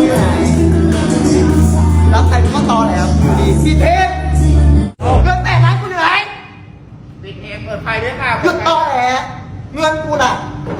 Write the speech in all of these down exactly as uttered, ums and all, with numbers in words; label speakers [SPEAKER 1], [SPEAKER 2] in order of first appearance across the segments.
[SPEAKER 1] อยู่ไหนรับใครก็ตอแล้วอยู่ดีพี่เทพเงินแต่นั้นกูอยู่ไหน
[SPEAKER 2] ปิดเองเปิดไฟด้วยค่ะ
[SPEAKER 1] หยุดตอแหลเงินกูน่ะ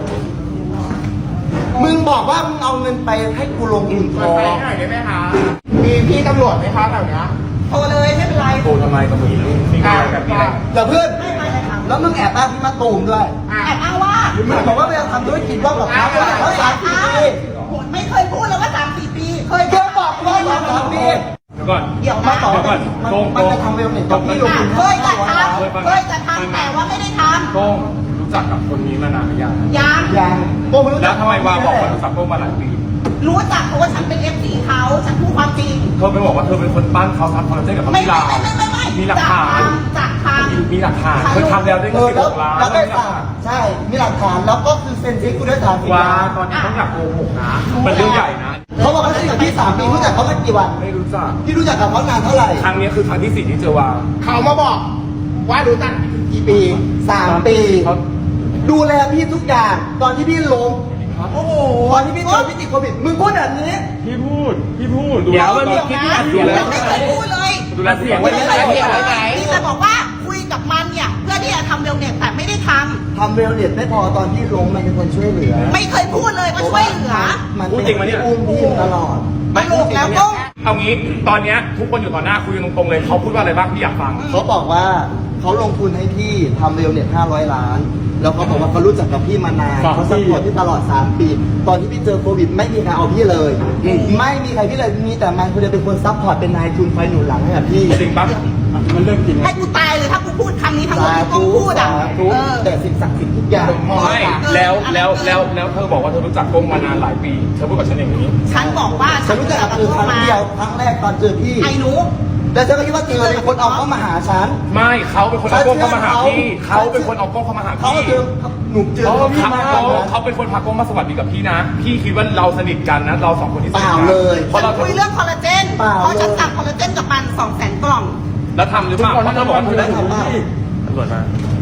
[SPEAKER 1] มึงบอกว่ามึงเอาเงินไปให้กูลงทุนท
[SPEAKER 2] เปิด
[SPEAKER 1] อ
[SPEAKER 2] ไฟ
[SPEAKER 1] ง
[SPEAKER 2] หน่อยได้ไหมคะมีพี่ตำรวจไหมคะแถวเนี้ย
[SPEAKER 1] โทรเลยไม่เป็นไร
[SPEAKER 3] โทรทำไมกับมึงมีอะไรแบบมีอะไร
[SPEAKER 1] อย่าเพื่อนแล้วมึงแอบอ้างพี่มาตูมด้วย
[SPEAKER 4] แอบอ้างว่า
[SPEAKER 1] มึงบอกว่าไปทำธุรกิจร่วมกับเขาเขาสามสี่ปี
[SPEAKER 4] ไม่เคยพูดเลยว่าสามสี่ปี
[SPEAKER 1] เคยเที่ยวบอกว่าสามสามปี
[SPEAKER 3] เดี๋ยวก่อน
[SPEAKER 1] เดี๋ยวมาต่อ
[SPEAKER 3] เดี๋ยวก่อน
[SPEAKER 1] มัน
[SPEAKER 3] โกง
[SPEAKER 1] มันจะทำเวลเน็ตกับพี่ลงทุน
[SPEAKER 4] เคยจะท
[SPEAKER 1] ห้าร้อยล้าน
[SPEAKER 4] ำเคยจะทำแต่ว่าไม่ได้ท
[SPEAKER 3] โต้งรู้จักกับคนนี้มานานหรือยัง
[SPEAKER 4] ำยัง
[SPEAKER 1] ยังโกงไม่รู้
[SPEAKER 3] แล้
[SPEAKER 1] จั
[SPEAKER 3] ว
[SPEAKER 1] ก
[SPEAKER 3] ทำไมวาบอกว่ารู้จักโต้งมาหลายปี
[SPEAKER 4] รู้จักเพราะว่าฉันเป็นเอฟซีเขาฉันพูดความจริง
[SPEAKER 3] เธอไปบอกว่าเธอเป็นคนปั้นเขาทำคอนเทนต์กับเขา
[SPEAKER 4] ไม่
[SPEAKER 3] ที่
[SPEAKER 4] ไม่
[SPEAKER 3] ลาว
[SPEAKER 4] ไม่ไม่ไม่ไม่
[SPEAKER 3] มีหลักฐาน
[SPEAKER 4] จากทำ
[SPEAKER 3] มีหลักฐานเธอทำแล้วได้
[SPEAKER 1] เอ
[SPEAKER 3] เงิน
[SPEAKER 1] อ
[SPEAKER 3] สิบ
[SPEAKER 1] แล้ว
[SPEAKER 3] หกล้าน
[SPEAKER 1] แล้วได้สั่งใช่มีหลักฐานแล้วก็คือเซ็นเช็คกูด้วยฐานสิ
[SPEAKER 3] ว่า
[SPEAKER 1] ล้าน
[SPEAKER 3] ตอนนี้ต้องอยากโกหกนะมันเรื่องใหญ่นะ
[SPEAKER 1] เขาบอกว่าสนิทกับพี่สามปีรู้จักเขามากี่วัน
[SPEAKER 3] ไม่รู้จัก
[SPEAKER 1] พี่รู้จักกับเขานานเท่าไหร่
[SPEAKER 3] ครั้งนี้คือครั้งที่สี่ที่เจอวา
[SPEAKER 2] เขามาบอกว่ารู้จักกี่ปี
[SPEAKER 1] สามปี
[SPEAKER 3] เขา
[SPEAKER 1] ดูแลพี่ทุกอย่างตอนที่พี่ล้มโอ้โหตอนที่พี่เจอพี่ติดโควิดมึงพูดแบบนี้
[SPEAKER 3] พี่พูดพี่พูด
[SPEAKER 4] เดี๋ยว
[SPEAKER 3] ตอน
[SPEAKER 4] เดี๋ยว
[SPEAKER 3] ที่
[SPEAKER 4] นะ
[SPEAKER 3] พี่อัดเสียงแล้ว
[SPEAKER 4] ไม่เคยพูดเลย
[SPEAKER 3] ดูแลเสียง
[SPEAKER 4] ไม่
[SPEAKER 3] ไว้
[SPEAKER 4] เค
[SPEAKER 3] ไม่
[SPEAKER 4] ย
[SPEAKER 3] ได้
[SPEAKER 4] พูดเลยพี่จะบอกว่าคุยกับมันเนี่ยเพื่อที่จะทำเร็วเนี่ยแต่ไม่ได้ท
[SPEAKER 1] ทำเวลเน็ตไม่พอตอนที่ล้มมันเป็นคนช่วยเหลือ
[SPEAKER 4] ำไม่เคยพูดเลยว่าช่วยเหลือ
[SPEAKER 1] มันเป็นคนที่อุ้มพี่ตลอด
[SPEAKER 4] ตลกแล้วก็
[SPEAKER 3] เอางี้ตอนเนี้ยทุกคนอยู่ต่อหน้าคุยกันตรงๆเลยเขาพูดว่าอะไรบ้างพี่อยากฟัง
[SPEAKER 1] เขาบอกว่าเขาลงทุนให้พี่ทำเวลเน็ตห้าร้อยล้าน แล้วเขาบอกว่าเขารู้จักกับพี่มานาน
[SPEAKER 3] สามปี
[SPEAKER 1] เขาสปอร์ตพี่ตลอดสามปี ตอนที่พี่เจอโควิดไม่มีใครเอาพี่เลย ไม่มีใครพี่เลยมีแต่มันคนเดียวเป็นคนซัพพอร์ตเป็นนายทุนไฟหนุนหลังให้กับพี่
[SPEAKER 3] จริงปะมันเรื่องจริง
[SPEAKER 4] ให้กูตายเลยถ้ากูพูดคำนี้ทั้งหมด
[SPEAKER 1] สา
[SPEAKER 4] ที่กู
[SPEAKER 1] ธุ
[SPEAKER 4] พูดอ่ะ
[SPEAKER 1] สาธุ
[SPEAKER 4] เออ
[SPEAKER 1] แต่สิ่งศักดิ์สิทธิ์ทุกอย่าง
[SPEAKER 3] ไม่แล้วแล้วแล้วแล้วเธอบอกว่าเธอรู้จักกงมานานหลายปีเธอพูดกับฉันอย่างนี้
[SPEAKER 4] ฉันบอกว่า
[SPEAKER 1] ฉันรู้จักกับคือครั้งเดียวครั้งแรกตอนเจอพี่
[SPEAKER 4] ไอ้หนู
[SPEAKER 1] แล้วฉันก็คิดว่าเธอเป็นคนเอาเข้ามาหาฉัน
[SPEAKER 3] ไม่เขาเป็นคนเอากล้องเข้ามาหาพี่เขาเป็นคนเอากล้องเข้ามาหา
[SPEAKER 1] เขาก็
[SPEAKER 3] พี่
[SPEAKER 1] เจอหนุ่มเจอ
[SPEAKER 3] เขา
[SPEAKER 1] พี่มา
[SPEAKER 3] เขาเขาเป็นคนพากล้องมาสวัสดีกับพี่นะ พี่คิดว่าเราสนิทกันนะ เราสองคนที่ส
[SPEAKER 1] เป
[SPEAKER 3] นิท
[SPEAKER 1] ล่า
[SPEAKER 3] กัน
[SPEAKER 1] เลย
[SPEAKER 3] เพราะเรา
[SPEAKER 4] คุยเรื่องคอลลาเจน
[SPEAKER 1] เปล่า
[SPEAKER 4] เพราะฉันสั่งคอลลาเจนกับมันสองแสนกล่อง
[SPEAKER 3] แล้วทำหรือเปล่าเพราะเธอบอกว่าเธอ
[SPEAKER 1] ได้ทำเปล่า
[SPEAKER 3] ตำรวจมา